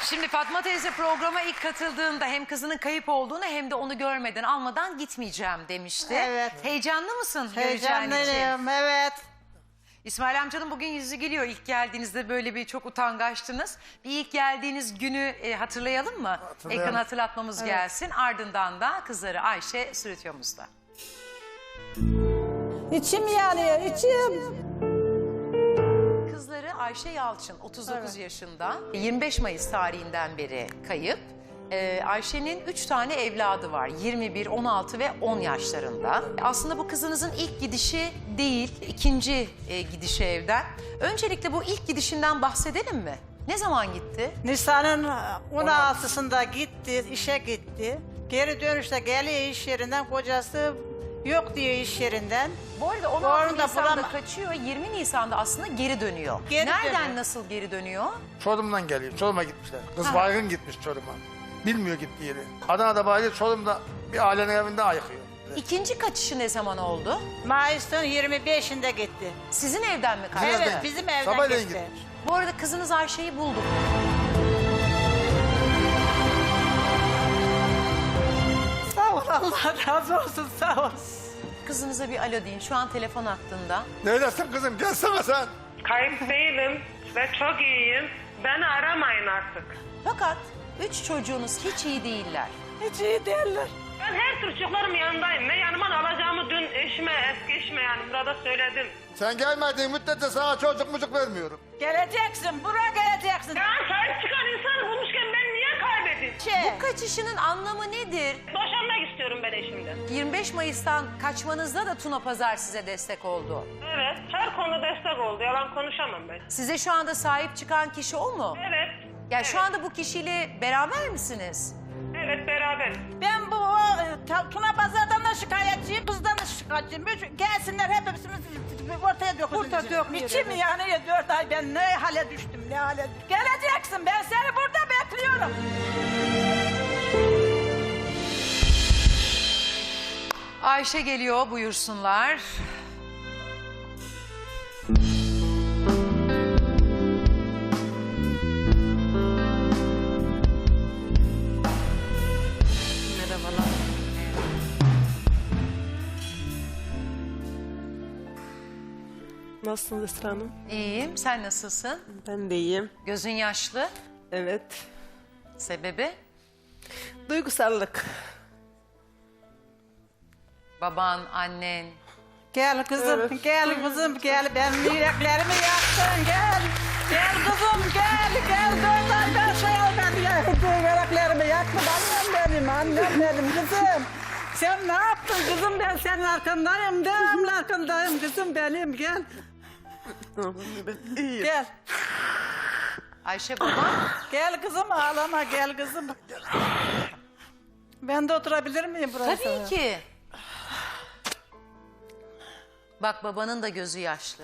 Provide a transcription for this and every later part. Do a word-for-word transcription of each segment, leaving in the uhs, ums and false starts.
Şimdi Fatma teyze programa ilk katıldığında hem kızının kayıp olduğunu hem de onu görmeden almadan gitmeyeceğim demişti. Evet. Heyecanlı mısın göreceğin için? Heyecanlıyım, evet. İsmail amcanın bugün yüzü gülüyor. İlk geldiğinizde böyle bir çok utangaçtınız. Bir ilk geldiğiniz günü e, hatırlayalım mı? Hatırlayalım. Ekran hatırlatmamız Evet. gelsin. Ardından da kızları Ayşe stüdyomuzda. İçim yanıyor, içim. Kızları Ayşe Yalçın, otuz dokuz yaşında. yirmi beş Mayıs tarihinden beri kayıp. Ee, Ayşe'nin üç tane evladı var. yirmi bir, on altı ve on yaşlarında. Aslında bu kızınızın ilk gidişi değil, ikinci e, gidişi evden. Öncelikle bu ilk gidişinden bahsedelim mi? Ne zaman gitti? Nisan'ın on altısında gitti, işe gitti. Geri dönüşte geliyor iş yerinden, kocası yok diyor iş yerinden. Bu arada on Bu altı arada Nisan'da bulama- kaçıyor, yirmi Nisan'da aslında geri dönüyor. Geri Nereden dönüyor. nasıl geri dönüyor? Çorum'dan geliyor. Çorum'a gitmişler. Kız Ha. baygın gitmiş Çorum'a. Bilmiyor gittiği yeri. Adana'da bayılıyor, Çorum'da bir ailenin evinde ayıkıyor. İkinci kaçışı ne zaman oldu? Mayıs'ın yirmi beşinde gitti. Sizin evden mi kaçtı? Evet, evden. bizim evden Sabahleyin gitti. gitmiş. Bu arada kızınız Ayşe'yi bulduk. Sağ ol, Allah razı olsun, sağ ol. Kızınıza bir alo deyin. Şu an telefon hattında. Neredesin kızım? Gelsene sen. Kayıp değilim ve çok iyiyim. Beni aramayın artık. Fakat üç çocuğunuz hiç iyi değiller. Hiç iyi değiller. Ben her tür çocuklarım yanındayım. Ben yanıma alacağımı dün eşime, eski eşime yani burada söyledim. Sen gelmediğin müddetçe sana çocuk mucuk vermiyorum. Geleceksin, buraya geleceksin. Ya sahip çıkan insanı bulmuşken ben niye kaybedeyim? Şey, Bu kaçışının anlamı nedir? Boşanmak istiyorum ben eşimden. yirmi beş Mayıs'tan kaçmanızda da Tuna Pazar size destek oldu. Evet, her konuda destek oldu. Yalan konuşamam ben. Size şu anda sahip çıkan kişi o mu? Evet. Ya şu anda bu kişiyle beraber misiniz? Evet, beraber. ben bu o, e, Ta- Tuna Pazar'dan da şikayetçiyim, kızdan da şikayetçiyim. Üç- Gelsinler hepimiz ortaya dökülün. Ortaya dökülün. İçim yanıyor dört ay, ben ne hale düştüm, ne hale düştüm. Geleceksin, ben seni burada bekliyorum. Ayşe geliyor, buyursunlar. Merhabalar. Nasılsınız Esra Hanım? İyiyim, sen nasılsın? Ben de iyiyim. Gözün yaşlı. Evet. Sebebi? Duygusallık. Baban, annen. Gel kızım, Evet. gel kızım, gel. Ben yüreklerimi yaktın, gel. Gel kızım, gel, gel. Dört aydan şey al ben ya. Yüreklerimi yaktın, annem benim, annem benim kızım. Sen ne yaptın kızım? Ben senin arkandayım, devamlı arkandayım kızım benim, gel. Ben iyiyim. Gel, Ayşe baban. gel kızım, ağlama, gel kızım. Ben de oturabilir miyim buraya? Tabii ki. Bak babanın da gözü yaşlı.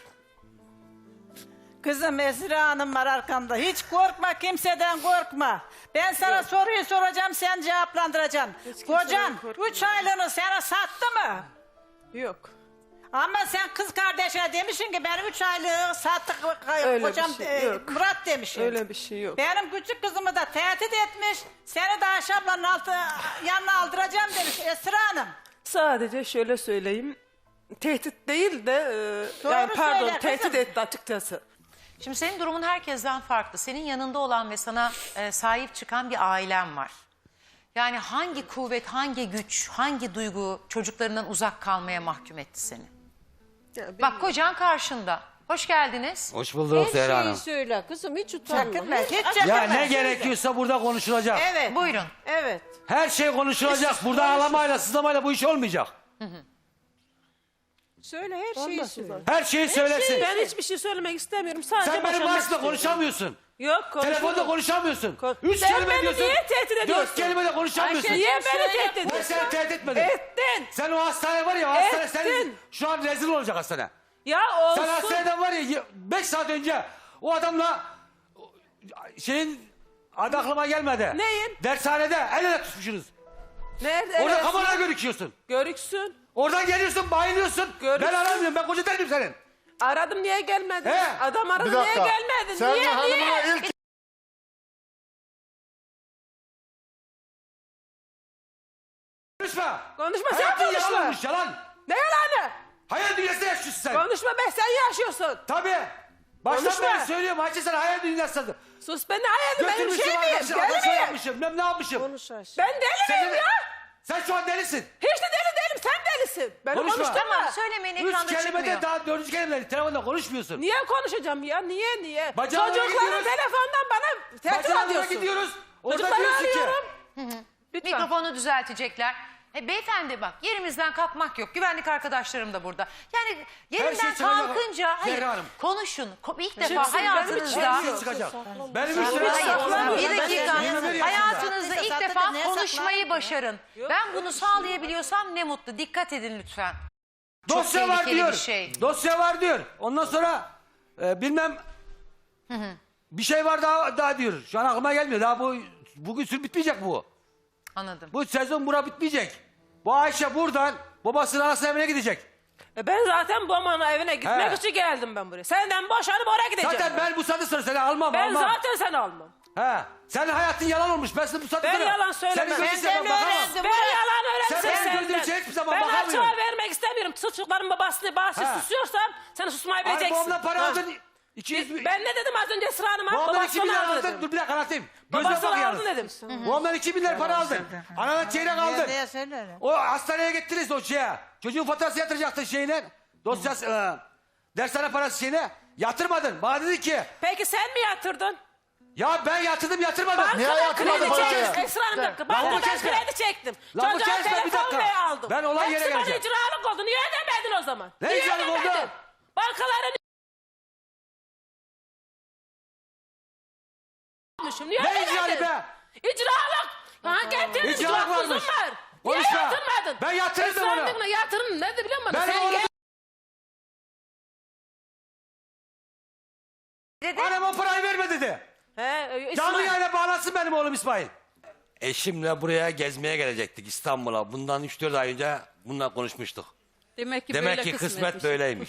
Kızım Esra Hanım var arkanda. Hiç korkma, kimseden korkma. Ben sana soruyu soracağım, sen cevaplandıracaksın. kimseden Kocan korkma. üç aylığını sana sattı mı? Yok. Ama sen kız kardeşine demişsin ki ben üç aylığı sattık Öyle bir kocam şey e, yok. Murat demişsin. Öyle bir şey yok. Benim küçük kızımı da tehdit etmiş. Seni de Ayşe ablanın altı, yanına aldıracağım demiş Esra Hanım. Sadece şöyle söyleyeyim. Tehdit değil de e, Doğru yani pardon söyle kızım. tehdit etti açıkçası. Şimdi senin durumun herkesten farklı. Senin yanında olan ve sana e, sahip çıkan bir ailen var. Yani hangi kuvvet, hangi güç, hangi duygu çocuklarından uzak kalmaya mahkum etti seni? Ya, Bak kocan karşında. Hoş geldiniz. Hoş bulduk Zehra Her Hanım. şeyi söyle kızım, hiç utanma. Çekinme, hiç Ya çekinme. ne gerekiyorsa burada konuşulacak. Evet. Buyurun. Evet. Her şey konuşulacak. Burada ağlamayla, sızlamayla bu iş olmayacak. Söyle, her şeyi söyle. Her şeyi söylesin. Ben hiçbir şey söylemek istemiyorum. Sadece Sen benim boşanmak karşımda istiyorum. konuşamıyorsun. Yok konuşurum. Telefonda konuşamıyorsun. Kon- Üç Sen kelime beni diyorsun. niye tehdit ediyorsun? Dört kelime de konuşamıyorsun. Niye beni söyle. tehdit Ben ediyorsun? seni tehdit etmedim. Ettin. Sen o hastane var ya, o hastane senin Ettin. şu an rezil olacak hastane. Ya Sen olsun. hastaneden var ya beş saat önce o adamla şeyin adı aklıma gelmedi. Neyin? Dershanede el ele tutmuşsunuz. Nerede? Orada Evet. kameraya görüküyorsun. Görüksün. Oradan geliyorsun, bayılıyorsun. Görürsün. Ben aramıyorum, ben koca değilim senin. Aradım niye gelmedin? He. Adam aradı Bir niye dakika. gelmedin? Sen Niye hanımına niye? ilk konuşma. Konuşma, sen Hayatın konuşma. yalan olmuş, yalan. Ne yalanı? Hayal dünyasında yaşıyorsun sen. Konuşma be, sen yaşıyorsun. Tabii. Baştan Konuşma. beri söylüyorum Hacı, sen hayal dünyasındasın. Sus, ben ne hayalim, benim Götürmüşüm şey miyim? arkadaşlar, Deli adam şey miyim? yapmışım, ben ne yapmışım? Konuş Ayşe. Ben deli Sen, miyim de- ya? sen şu an delisin. Hiç de deli değilim, sen delisin. Beni Konuşma. konuşturma. Tamam, söylemeyin, Üç ekranda kelimede çıkmıyor. daha dördüncü kelimede telefonda konuşmuyorsun. Niye konuşacağım ya? Niye niye? Bacağına Çocukların gidiyoruz. telefondan bana tehdit Bacağına ediyorsun. gidiyoruz. Orada Çocukları diyorsun ki. arıyorum. Lütfen. Mikrofonu düzeltecekler. E, beyefendi bak, yerimizden kalkmak yok. Güvenlik arkadaşlarım da burada. Yani yerinden şey söyleyecek- kalkınca hayır, Zehra Hanım. konuşun. Ko- İlk Şimdi defa benim hayatınızda Şey çıkacak. Benim üstüme hayır, saklanmıyor. bir dakika. yirmi bir yaşında. Hayatınızda ilk Saklandı, defa neye konuşmayı saklandı? başarın. Ben bunu sağlayabiliyorsam ne mutlu. Dikkat edin lütfen. Çok Dosya var tehlikeli diyor. bir şey. Dosya var diyor. Ondan sonra e, bilmem bir şey var daha daha diyor. Şu an aklıma gelmiyor. Daha bu bugün sür bitmeyecek bu. Anladım. Bu sezon bura bitmeyecek. Bu Ayşe buradan babasının anasının evine gidecek. E ben zaten babamın evine gitmek He. için geldim ben buraya. Senden boşanıp oraya gideceğim. Zaten ben bu saatten sonra seni almam Ben almam. zaten seni almam. He. Senin hayatın yalan olmuş. Ben sana bu saatten Ben sonra... yalan söylemem. Senin gözün Ben ben bakamam. öğrendim. Ben yalan öğrensin Sen benim senden. gözümün içine hiçbir zaman ben bakamıyorum. açığa vermek istemiyorum. Çocukların babasını bahsi He. susuyorsam sen susmayı Ay bileceksin. babamdan para Ha. aldın. iki yüz bin. Ben ne dedim az önce Esra Hanım'a? Babamdan iki bin lira Babasını aldı aldın. dedim. Dur bir dakika anlatayım. Gözüme bak Babasını yalnız. aldı dedim. Babamdan iki bin lira para aldın. Anadan çeyrek aldın. Diye söyle. O hastaneye gittiniz o şeye. Çocuğun faturası yatıracaktın şeyine. Dosyası, e, dershane parası şeyine. Yatırmadın. Bana dedi ki, Peki sen mi yatırdın? ya ben yatırdım yatırmadım. Niye Bankadan yatırmadın kredi parayı? çektim. Esra Hanım bir dakika. Lan bu Bankadan kesme. kredi çektim. Lan bu Çocuğa kesme, bir telefon dakika. bile aldım. Ben olay yere Hepsi bana geleceğim. icralık oldu. Niye ödemedin o zaman? Ne Niye icralık oldu? ödemedin? Bankaların Niye Ne ödemedin? icralı be? İcralık. Ha getirdin. İcralık İcralık varmış. kuzum var. Niye Konuşma. yatırmadın? Ben yatırdım Esra onu. Hanım'la yatırın. Ne de biliyor musun? Ben Sen oğlumu... gel- Dedi. Annem o parayı verme dedi. He, e, Canlı İsmail- yayına bağlansın benim oğlum İsmail. Eşimle buraya gezmeye gelecektik İstanbul'a. Bundan üç dört ay önce bundan konuşmuştuk. Demek ki Demek böyle ki kısmet kısmetmiş. böyleymiş.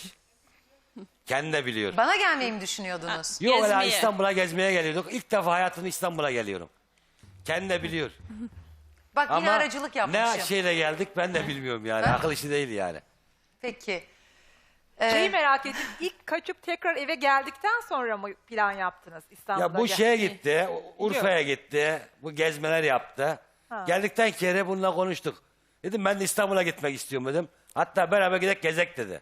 Kendi de biliyor. Bana gelmeyi mi düşünüyordunuz? Yok öyle Gezmeye. İstanbul'a gezmeye geliyorduk. İlk defa hayatımda İstanbul'a geliyorum. Kendi de biliyor. Bak yine Ama aracılık yapmışım. ne şeyle geldik ben de bilmiyorum yani. Akıl işi değil yani. Peki. Şeyi merak ettim. İlk kaçıp tekrar eve geldikten sonra mı plan yaptınız İstanbul'a? Ya bu gel- şeye gitti, Urfa'ya gitti, bu gezmeler yaptı. Geldikten kere bununla konuştuk. Dedim ben de İstanbul'a gitmek istiyorum dedim. Hatta beraber gidek gezek dedi.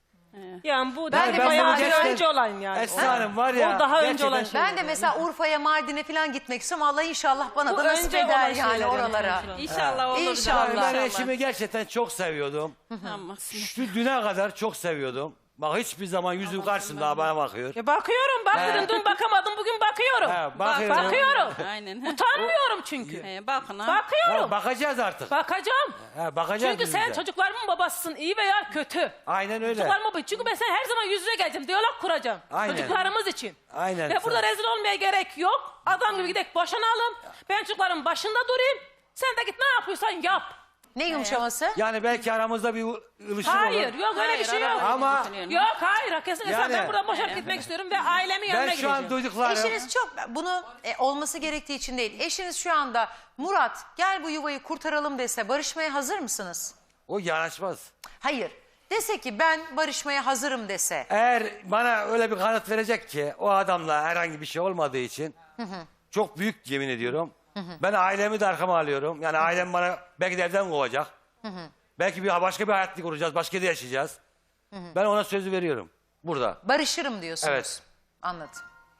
Yani bu Ben ben de de bayağı bunu bir gerçekten- önce olan yani. Esra Hanım var ya. O daha önce gerçekten- olan şey. Ben de mesela Urfa'ya, Mardin'e falan gitmek istiyorum. Allah inşallah bana Bu da nasip önce eder olan yani şeyler oralara. yani. İnşallah olur. İnşallah. canım, Ben eşimi gerçekten çok seviyordum. Tamam. Şu düne kadar çok seviyordum. Bak hiçbir zaman yüzüm karşımda bana bakıyor. Ya bakıyorum bak He. dedim dün bakamadım bugün bakıyorum. He, bakıyorum. Bakıyorum. Aynen. Utanmıyorum çünkü. He, bakın ha. Bakıyorum. Ya bakacağız artık. Bakacağım. Ha, bakacağız Çünkü biz sen de. çocuklarımın babasısın iyi veya kötü. Aynen öyle. Çocuklarımın babası. Çünkü ben sen her zaman yüz yüze geleceğim. Diyalog kuracağım. Aynen. Çocuklarımız için. Aynen. Ve burada rezil olmaya gerek yok. Adam gibi gidek boşanalım. Ben çocukların başında durayım. Sen de git ne yapıyorsan yap. Ne yumuşaması? Yani belki aramızda bir ılışır Hayır olur. yok öyle bir Hayır, şey yok. arabayı Ama- götürüyorum. Yok hayır kesinlikle Yani- ben buradan boşanıp gitmek istiyorum ve ailemin yanına Ben şu gideceğim. an duyduklarım. Eşiniz çok bunu e, olması gerektiği için değil. Eşiniz şu anda Murat gel bu yuvayı kurtaralım dese barışmaya hazır mısınız? O yanaşmaz. Hayır. Dese ki ben barışmaya hazırım dese. Eğer bana öyle bir kanıt verecek ki o adamla herhangi bir şey olmadığı için çok büyük yemin ediyorum. Ben ailemi de arkama alıyorum. Yani ailem bana belki de evden kovacak. Belki bir başka bir hayat kuracağız. Başka yerde yaşayacağız. Ben ona sözü veriyorum. Burada. Barışırım diyorsunuz. Evet. Anladım.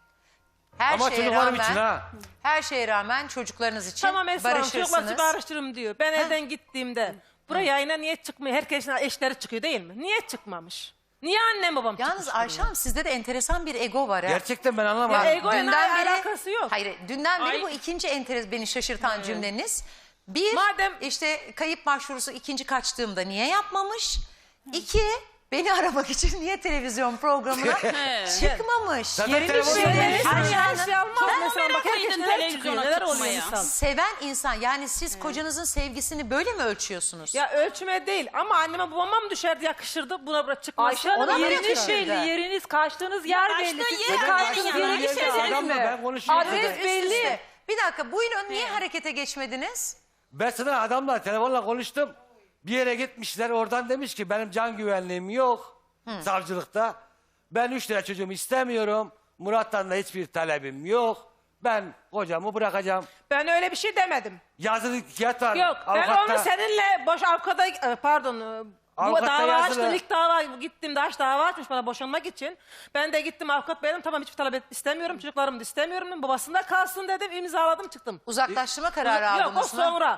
Her Ama şeye çocuklarım rağmen, için ha. her şeye rağmen çocuklarınız için Tamam Esra Hanım çocuklar barışırsınız. barıştırırım diyor. Ben evden gittiğimde buraya yayına niye çıkmıyor? Herkesin eşleri çıkıyor değil mi? Niye çıkmamış? Niye annem babam Yalnız çıkmış? Ayşe Hanım sizde de enteresan bir ego var. ha. Gerçekten ben Ya anlamadım. ego ile alakası yok. Hayır, dünden beri Ay. bu ikinci enteres beni şaşırtan cümleniz. Bir, Madem- işte kayıp başvurusu ikinci kaçtığımda niye yapmamış? İki, beni aramak için niye televizyon programına çıkmamış? Zaten Yerini telefonu söylemiş. vermişsin. Her Ayşe Hanım, şey almaz. Çok Mesela bak merak herkes ettim neler televizyona çıkıyor, neler oluyor çıkmaya. insan. seven insan yani siz kocanızın sevgisini böyle mi ölçüyorsunuz? Ya ölçme değil ama anneme babama mı düşerdi yakışırdı buna bırak çıkması. Ayşe Hanım Ona mı yeriniz yakışırdı? belli, yeriniz kaçtığınız yer kaçtığın belli. Siz yer de belli kaçtığınız yani. yere Bir şey gitmediniz adamla mi? ben konuşuyorum. Adres Üst belli. üste. Bir dakika buyurun niye harekete geçmediniz? Ben sana adamla telefonla konuştum. Bir yere gitmişler, oradan demiş ki benim can güvenliğim yok savcılıkta. Ben üç tane çocuğumu istemiyorum. Murat'tan da hiçbir talebim yok. Ben kocamı bırakacağım. Ben öyle bir şey demedim. Yazılı kağıt var. Yok ben avukatta. onu seninle boş avukata e, pardon e, bu Avukatta dava yazılı. açtım. İlk dava gittim Daş dava açmış bana boşanmak için. Ben de gittim avukat benim tamam hiçbir talep et- istemiyorum. Çocuklarım da istemiyorum dedim. Babasında kalsın dedim. İmzaladım çıktım. Uzaklaştırma kararı Yok o aldınız mı? sonra.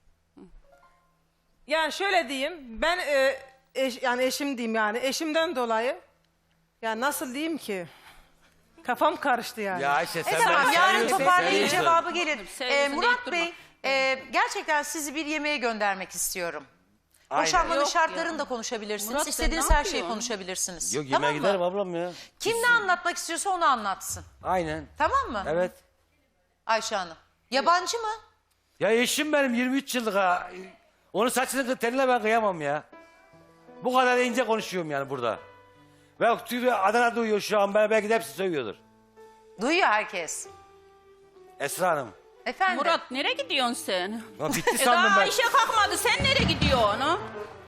Yani şöyle diyeyim ben e, eş- yani eşim diyeyim yani eşimden dolayı yani nasıl diyeyim ki kafam karıştı yani. Ya Ayşe sen E tamam beni yarın seviyorsun, toparlayın seviyorsun. cevabı gelir. Sevgilisi Ee, Murat deyip durma. Bey e, gerçekten sizi bir yemeğe göndermek istiyorum. Aynen. Boşanmanın Yok şartlarını da konuşabilirsiniz. Murat, sen İstediğiniz ne her şeyi yapıyorsun? konuşabilirsiniz. Yok Tamam yemeğe mı? giderim ablam ya. Kim ne anlatmak istiyorsa onu anlatsın. Aynen. Tamam mı? Evet. Ayşe Hanım. Yabancı mı? Ya eşim benim yirmi üç yıllık ha. Onun saçını teline ben kıyamam ya. Bu kadar ince konuşuyorum yani burada. Ve tüyü Adana duyuyor şu an. Ben belki de hepsi söylüyordur. Duyuyor herkes. Esra Hanım. Efendim? Murat nereye gidiyorsun sen? Ya bitti E sandım daha ben. Ayşe kalkmadı. Sen nereye gidiyorsun?